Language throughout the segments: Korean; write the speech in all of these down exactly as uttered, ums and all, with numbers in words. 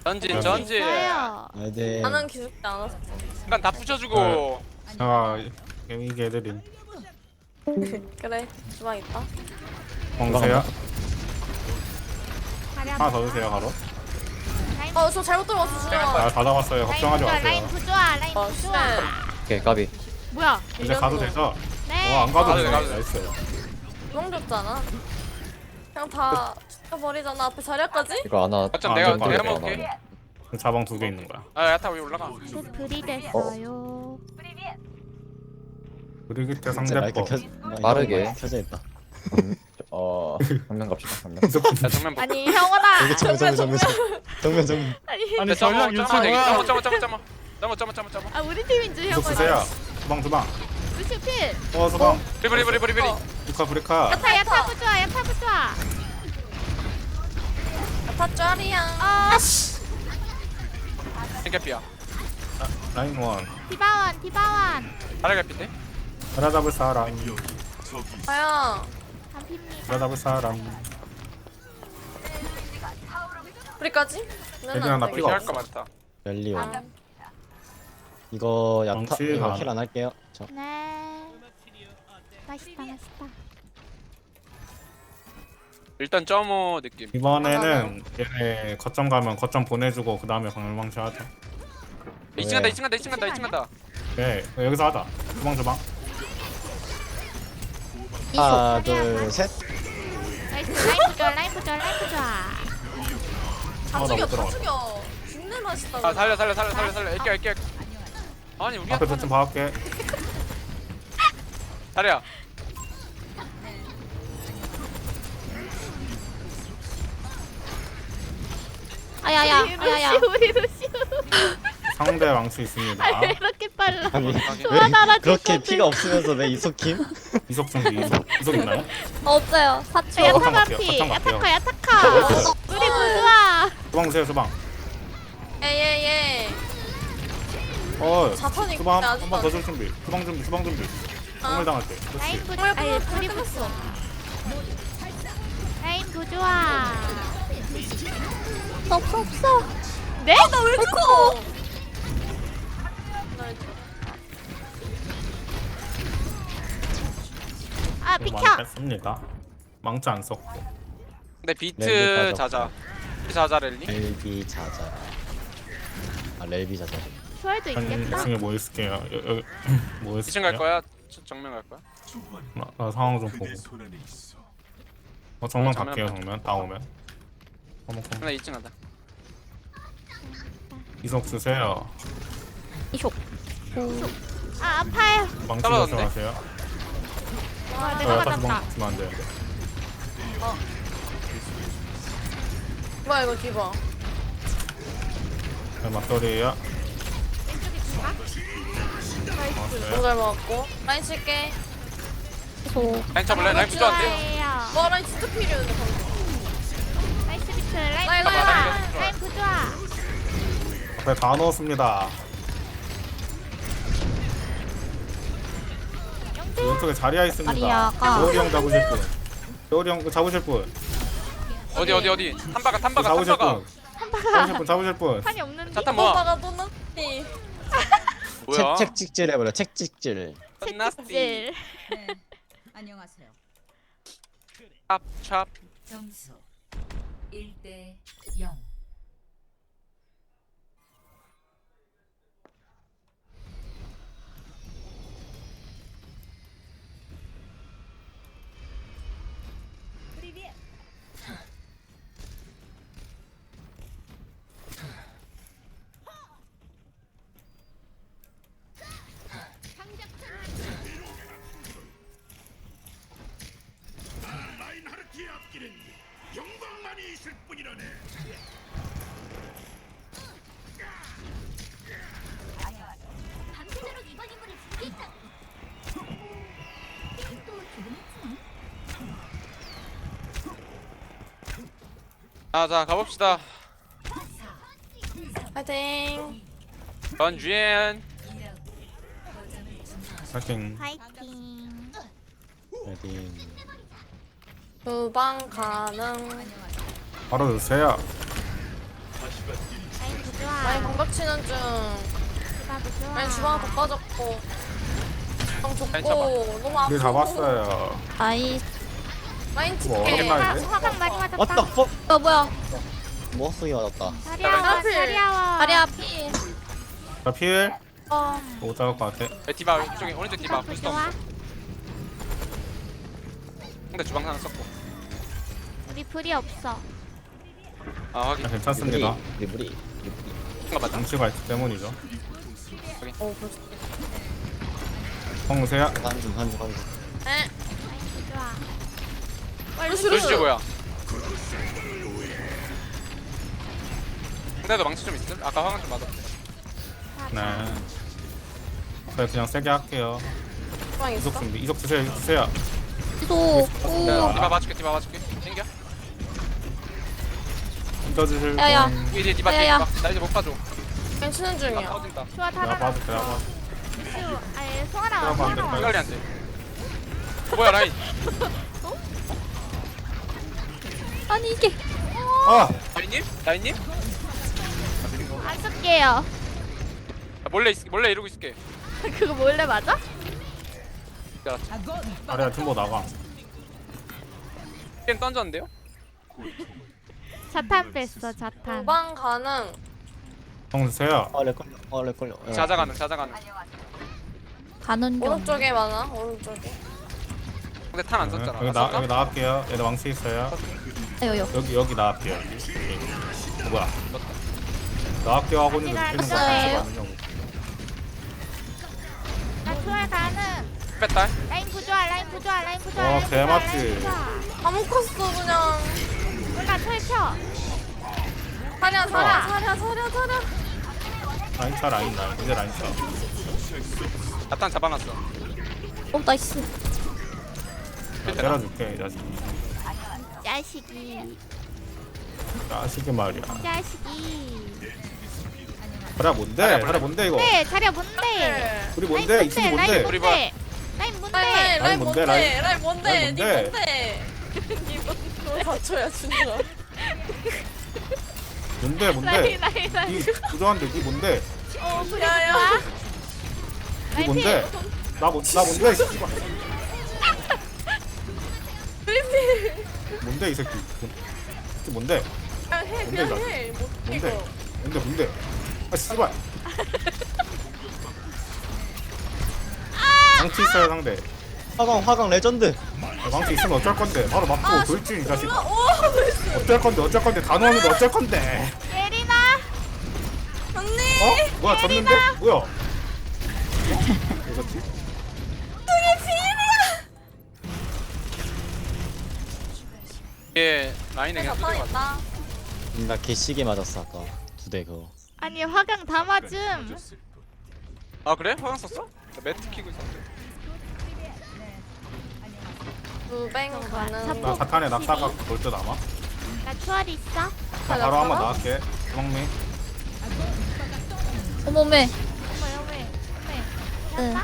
전진 전진. 있어요. 아, 네. 나는 기죽지 않았어. 약간 다 부셔주고. 아 이게 애들이 그래, 주방 있다. 먹으세요. 자리 하나 더 한번. 드세요 바로. 라인 어, 저 잘못 들어갔어, 주방. 아, 다 잡았어요. 라인 걱정하지 부조화, 라인 마세요. 부조화, 라인 어, 부조화. 오케이 까비. 뭐야? 이제 가도 되죠? 네. 어, 안 가도 가도 돼. 돼, 가도 돼. 나이스. 주방 줬잖아. 그냥 다 죽여버리잖아, 앞에 자리까지? 이거 하나. 어쩜 아, 내가 안 돼, 내가 안 돼, 먹을게. 자방 두 개 있는 거야. 아 야타 왜 올라가? 불이 됐어요. 브리기테 진짜 마이크 상대법. 켜. 빠르게 켜져 있다. 음, 어 정면 갑시다. 정면. 야 정면 보. 아니, 형원아! 여기 정면 정면 정면 정면 정면. 아니, 아니 점어 전략 점어 되게. 유튜브야. 점어 점어 점어 점어. 점어 점어 점어 점어. 아 우리 팀인 줄 계속 형은. 쓰세요. 주방 주방. 루시 필. 어 주방. 리브리 리브리 리브리. 브리카 브리카. 야타 야타 부조화, 야타 부조화. 다 짜리야. 아, 생개피야. 라인 원. 디바원, 디바원. 다리 개피인데? 하나 잡을 사람. 아야, 담핍니다. 하나 잡을 사람. 우리까지? 얘들아, 나 피가 할거 많다. 멜리온. 이거 야타 망치 이거 반. 킬 안 할게요. 저 네. 맛있다, 맛있다. 일단 점어 느낌. 이번에는 얘네 거점 가면 거점 보내주고 그 다음에 방울망치 하자. 이 층 간다 이 층 간다 이 층 간다 이 층 간다. 네 여기서 하자. 주방 주방. 하나 둘 셋. 나이스, 라인 부조화, 라인 부조화, 라인 부조화. 다 아, 나 죽여, 못 다 들어갔어. 죽여. 죽는 맛있다. 아 살려 살려 살려 살려 살려. 애껴 애껴. 아니 우리 앞에 배좀 봐올게. 다리야. 아야야, 아야야. 우리 루시. 상대 망치 있습니다. 아, 왜 이렇게 빨라? 아니 소화 날아줄 왜 그렇게 건데. 피가 없으면서 왜 이속킴? 이속 준비 이속. 이속 있나요? 없어요. 사초. 야타 거점 갈게요, 반피, 거점 갈게요. 야타카, 야타카. 우리 부조화. 주방 주세요 주방. 예예예. 어 자탄이 주방 근데 한 아직도 번 더 안 줄 준비. 주방 준비 주방 준비. 정말 당할게. 라인 그렇지. 부조화. 아니, 뭐야, 우리 끝났어. 라인 부조화. 없어 없어. 네? 나 왜 이렇게 커? 아, 이거 비켜. 많이 뺐습니다. 망치 안 썼고. 근데 네, 비트 네, 자자. 비트 자자 랠리. 렐비 자자. 아 렐비 자자. 초월도 한 있겠다. 이층에 뭐 있을게요. 여- 여기 뭐 이 층 갈 있을게요? 거야? 저- 정면 갈 거야? 나, 나 상황 좀 보고. 어 정면 어, 정면 갈게요 갈게. 정면. 다 오면. 어머 나 이 층 간다. 이속 주세요. 아, 아파요. 망치 떨어졌네. 조심하세요. 아, 어, 내가 약간 맞았다. 주방 주면 안 되는데. 뭐야 이거 디바. 네, 맞돌이에요. 너무 잘 먹었고. 라인 칠게. 라인 쳐볼래? 라인 부조한데? 부조화예요. 와 라인 진짜 필요했는데 방금. 나이스 비트, 라인 라인, 부조화. 라인, 라인 라인 부조화. 앞에 다 넣었습니다. 왼쪽에 자리야 있습니다. 자리야가. 겨울이 형 잡으실 분. 겨울이 형 잡으실 분. 어디 어디 어디? 탐바가 탐바가 잡으실 탐바가. 분. 잡으실 분 잡으실 분. 판이 없는데. 자탄 뭐야? 오빠가 또 났지. 뭐야? 책 책찍질 해버려. 책찍질. 나스티. 질. 네, 안녕하세요. 찹찹. 점수 일 대 영. 자자 가봅시다. 파이팅. 전주엔. 파이팅. 파이팅. 레디. 주방 가능. 바로 주세요. 방박 치는 중. 나도 좋아. 아니 주방 더 빠졌고. 주방 아니, 좁고 너무 아프고. 우리 잡았어요. 아이. 라인 뭐 칠게. 어렵나? 화, 아닌데? 화강 많이 맞았다. What the fuck? 어 뭐야? 뭐 쓰기 맞았다. 자리야와 하필. 자리야와. 다리 앞이. 자 필. 어. 못 잡을 것 같아. 에, 디바 이쪽에 오른쪽 디바 점프 부스터 좋아. 근데 주방 하나 썼고 우리 불이 없어. 아 확인 자, 괜찮습니다. 리브리. 리브리. 뭔가 맞다 장치가 있기 때문이죠. 어 벌써. 홍세야. 한중 한중 한중. 에. 나이스 좋아. 루시 루시 뭐야 근데도 망치 좀 있음? 아까 화강 좀 맞았어 네. 그래 그냥 세게 할게요. 주방 있어? 이속 준비. 이속 주세요. 이속 주세요. 또. 디바 맞출게 디바 맞출게 땡겨 믿어주실 야야. 분. 뒤에 뒤에 디바 뒤에 야야야. 디바 나 이제 못 봐줘 라인 치는 나 중이야. 터진다 좋아 다 내가 나가. 봐줄게. 내가 봐. 아니 송하나 와. 들어가면 안 송하나 될까요? 와. 빨리 안돼 뭐야 라인 아니 이게. 아. 라인님? 라인님? 안 쓸게요. 아, 몰래 있, 몰래 이러고 있을게 그거 몰래 맞아? 아래야 팀보 나가. 게임 던졌는데요? 자탄 뺐어 자탄. 주방 가능. 홍세야. 아 렉걸려. 아 렉걸려. 야. 자자가는 자자가는 가는 중. 오른쪽에 많아. 오른쪽에. 근데 탄 안 네, 썼잖아 여기 아, 나 썼나? 여기 나갈게요. 얘들 왕치 있어요. 아요요. 여기 여기 나갈게요. 여기. 여기. 어, 뭐야? 나갈게요 하고 있는데 아직 피는 거 안 같지 왔어요. 않냐고. 나 좋아 가는. 뺐다 라인 부조화 라인 부조화 라인 부조화. 와, 라인 부조화, 개맞지. 라인 부조화. 다 묶었어 그냥. 몰라 펼쳐. 사랴 사랴 사랴 사랴 사랴. 라인 차 라인 라인. 이제 라인 차. 나탄 잡아놨어 오 나이스. 때려줄게 이 자식. 자식이 자식이 말이야. 자식이. 그래 뭔데? 그래 뭔데 이거? 네 자리야 뭔데? 우리 뭔데? 이 친구 뭔데? 우리 봐. 라인 뭔데? 라인 라인 라인 라인 뭔데, 뭔데? 라인? 라인 뭔데? 라인 니 뭔데? 뭔데? 니 뭔데? 다쳐야 진짜. 뭔데 라인 뭔데? 라인 라인. 이 부조한데 니 뭔데? 어 불이 야야. 좋아. 니 뭔데? 나 뭐, 나 뭔데 이 씨발. 뭔데 이 새끼? 이 뭔데? 야, 해 뭔데, 그냥 나? 해. 못 뭔데? 이거. 뭔데 뭔데? 아 씨발. 망치 있어요 상대. 화강 화강 레전드. 야, 망치 있으면 어쩔 건데? 바로 맞고 돌진 이 자식. 오 나이스. 어쩔 건데 어쩔 건데 단호하는데 어쩔 건데? 예린아. 언니. 어? 뭐야 졌는데? 뭐야? 이거지? 얘 라인에 그냥 자판 뚫려 맞아 있다. 나 개시계 맞았어 아까 두 대 그거. 아니 화강 다 맞음. 아 그래? 화강 썼어? 나 매트 키고 있었는데 무뱅 가능. 나 사탄에 낙사가 볼듯 아마? 나 추월 있어. 나 바로 한번 나갈게. 주먹미. 어머매. 어머 어머. 어머.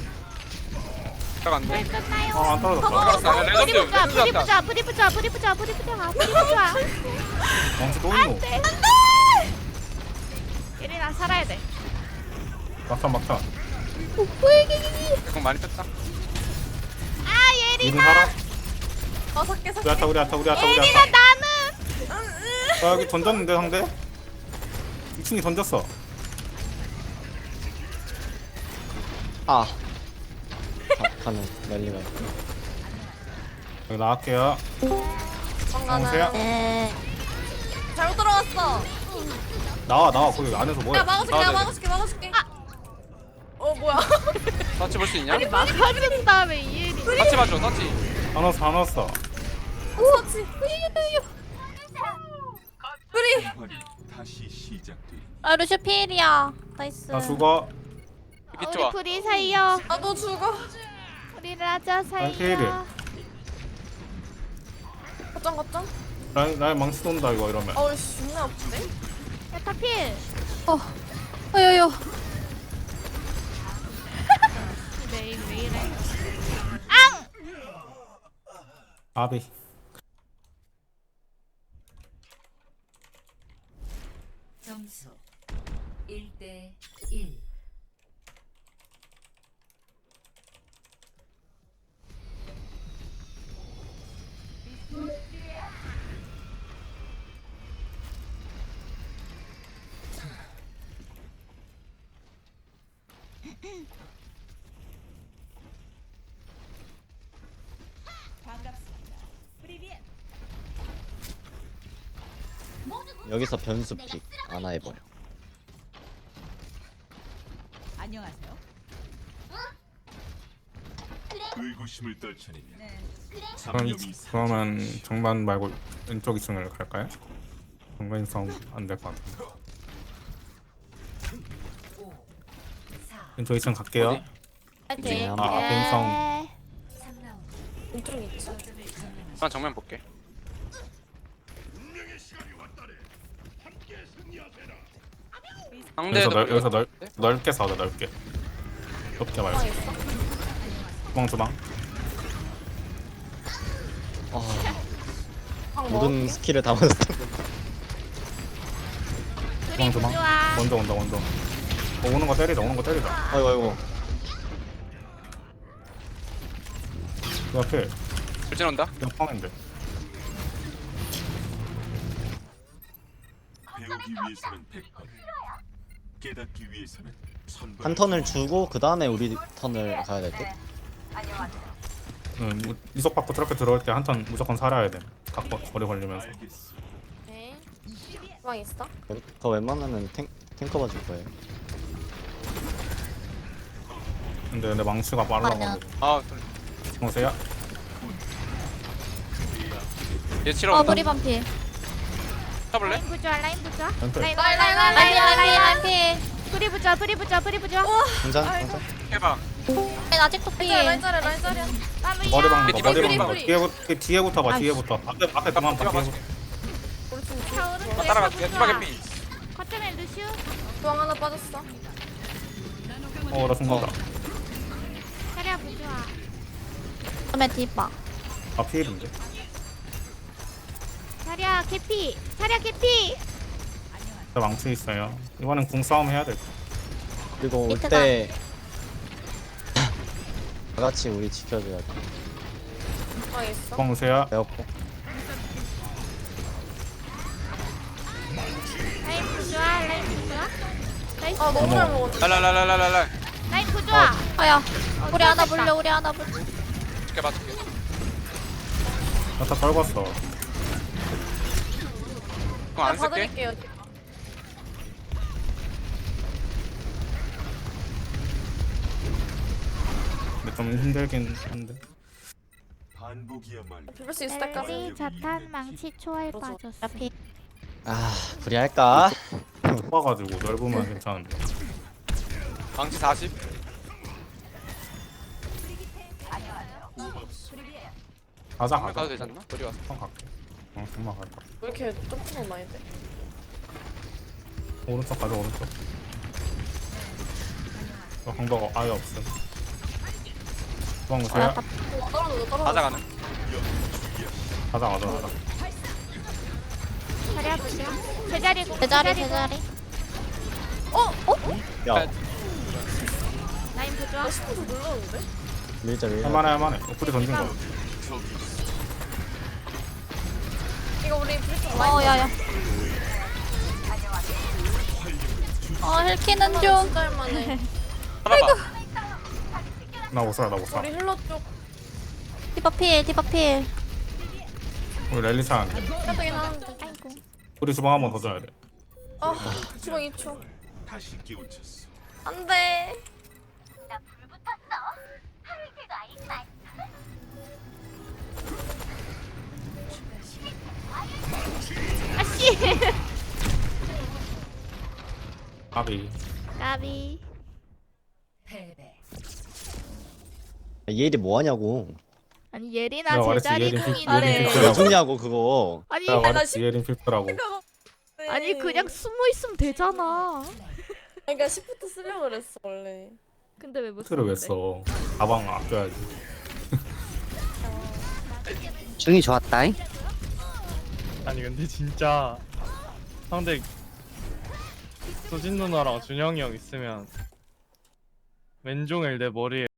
딱 안돼 네, 끝나요. 어안 떨어졌다. 알았어 야, 뿌리 레전드 부자, 뿌리 레전드 부자, 뿌리 부자, 뿌리 부자, 뿌리 부자, 뿌리 부자. 망치 또 있노? 안돼. 예린아 살아야 돼. 막탄 막탄. 공 많이 뺐다 아 이름 예린아. 살아? 다섯 개 우리 아타 우리 아타 우리 아타 우리 예린아 아타. 나는. 아 여기 던졌는데 상대? 이 층이 던졌어. 아. 가는 랠리가. 여기 나갈게요. 주방 홍세야. 가능. 네. 잘못 들어갔어. 나와 나와 거기 안에서 뭐해? 야 막아줄게. 아, 야 네. 막아줄게. 막아줄게. 어 뭐야? 터치 볼 수 있냐? 막아준 다음에 이예린. 터치 봐줘 터치 안 왔어 안 왔어. 그렇지. 뿌리. 아 루시 필이야. 나이스. 나 죽어. 이렇게 우리 좋아 불이 살려. 나도 죽어. 우리 라자 아니, 필이. 살려. 거점 거점. 라인 라인 망치 돈다 이거 이러면. 어이씨 존나 아픈데. 야타 필. 어. 어여여. 매일 매일해. 앙. 아비. 점수 일 대 일. 여기서 변수 픽 하나 해버려. 안녕하세요. 의구심을 떨쳐내면 네. 그럼, 잡념이 그러면 정면 말고 왼쪽 이 층을 갈까요? 정면 싸움 안 될 것 같은데. 오, 사, 왼쪽 이 층 갈게요. 어디? 파이팅. 아, 앞에 싸움. 예. 삼 라운드. 왼쪽 있지. 거점을 점령하십시오. 난 정면 볼게. 여기서, 상대도 넓, 여기서 넓, 네? 넓게 싸우자 넓게. 좁게 말고. 주방 있어? 주방 주방. 아, 방 모든 먹을게. 스킬을 다 맞았어. 둘이 주방. 부좋아. 먼저 온다 먼저. 어, 오는 거 때리자 오는 거 때리자. 아이고 아이고. 그 앞에 불진 온다. 그냥 펑인데. 배우기 위해서는 백 번, 깨닫기 위해서는 천 번. 한 턴을 주고 그 다음에 우리 턴을 가야 될 듯. 응, 뭐, 이속 받고 저렇게 들어올 때 한 턴 무조건 살아야 돼. 각고 거리 걸리면서. 알겠어. 네. 주방 있어? 더 웬만하면 탱 탱커 봐줄 거예요. 근데 근데 망치가 빨라가지고. 아, 좀- 보세요. 얘 치러 어 온다. 우리 반필. 쳐볼래? 라인 부좋아 라인 부좋아. 왼쪽. 라인 라인 라인 라인 라인 라인 라인. 불이 부좋아 불이 부좋아 불이 부좋아. 혼자 혼자. 해봐. 라인 아직도 필. 라인 자리야 라인 자리야. 머리 박는 거 뿌리, 머리 뿌리, 박는 거 뿌리. 뒤에부터 뒤에부터 봐 뒤에부터 앞에 앞에 그만 봐 뒤에부터. 아, 따라갈게. 디바 개피. 거점에 루시우. 주방 하나 빠졌어. 어나 죽는다. 차려 부좋아. 거점에 디바. 아 피해인데. 차려 개피. 차려 개피. 저 망치 있어요. 이번엔 궁 싸움 해야 돼. 그리고 올 밑에가. 때 다 같이 우리 지켜줘야 돼. 주방 있어? 주방 보세요. 배웠고. 라인 부좋아 라인 부좋아. 나이스. 아 너무 잘 먹었네. 랄랄랄랄랄랄. 라인 부좋아. 아야. 우리 하나 불려 우리 하나 불려. 줄게 봐줄게. 나다 떨궜어. 그럼 안 아, 쓸게. 받을게요. 근데 좀 힘들긴 한데. 반복이야말로 비빌 수 있을 때까지. 멜리 자탄 망치 초월 빠졌어. 아 불리할까? 좁아가지고 넓으면 괜찮은데. 망치 사십. 가자 정면 가도 가자. 되지 않나? 어디 왔어? 한 갈게. 어 금방 갈까. 왜 이렇게 점프가 많이 돼? 오른쪽 가자 오른쪽. 어, 방법 아예 없음. 주방 보세요. 어, 떨어져 떨어져. 가져가는. 가자 가자 가자. 차려 부좋아. 제자리 제자리 제자리. 야 라인 부좋아. 스포츠 눌렀는데? 밀자 밀자. 할만해 할만해. 우리 던진 거. 이거 우리 브리트 어 야야. 어 헬키는 좀. 진짜 할만해. 하나봐. 나 못 살아 나 못 살아. 우리 힐러 쪽 디바필 디바필. 우리 랠리 차안 돼. 해보긴 하는데. 아이고. 우리 주방 한 번 더 줘야 돼. 아 주방 이 초. 다시 깨우쳤어. 안돼. 아씨. 아비. 나비. 패배. 얘들이 뭐 하냐고. 아니 예리나 내가 말했지, 제자리 예린 필- 예린 궁이네. 필터라고. 왜 죽냐고 그거. 아니 내가 나 말했지 예린 필터라고. 아니 그냥 숨어 있으면 되잖아. 그러니까 시프트 쓰려고 그랬어 원래. 근데 왜 못? 필터를 왜 써? 가방 아껴야지. 중이 좋았다잉. 아니 근데 진짜 상대 수진 누나랑 준영이 형 있으면 왼종일 내 머리에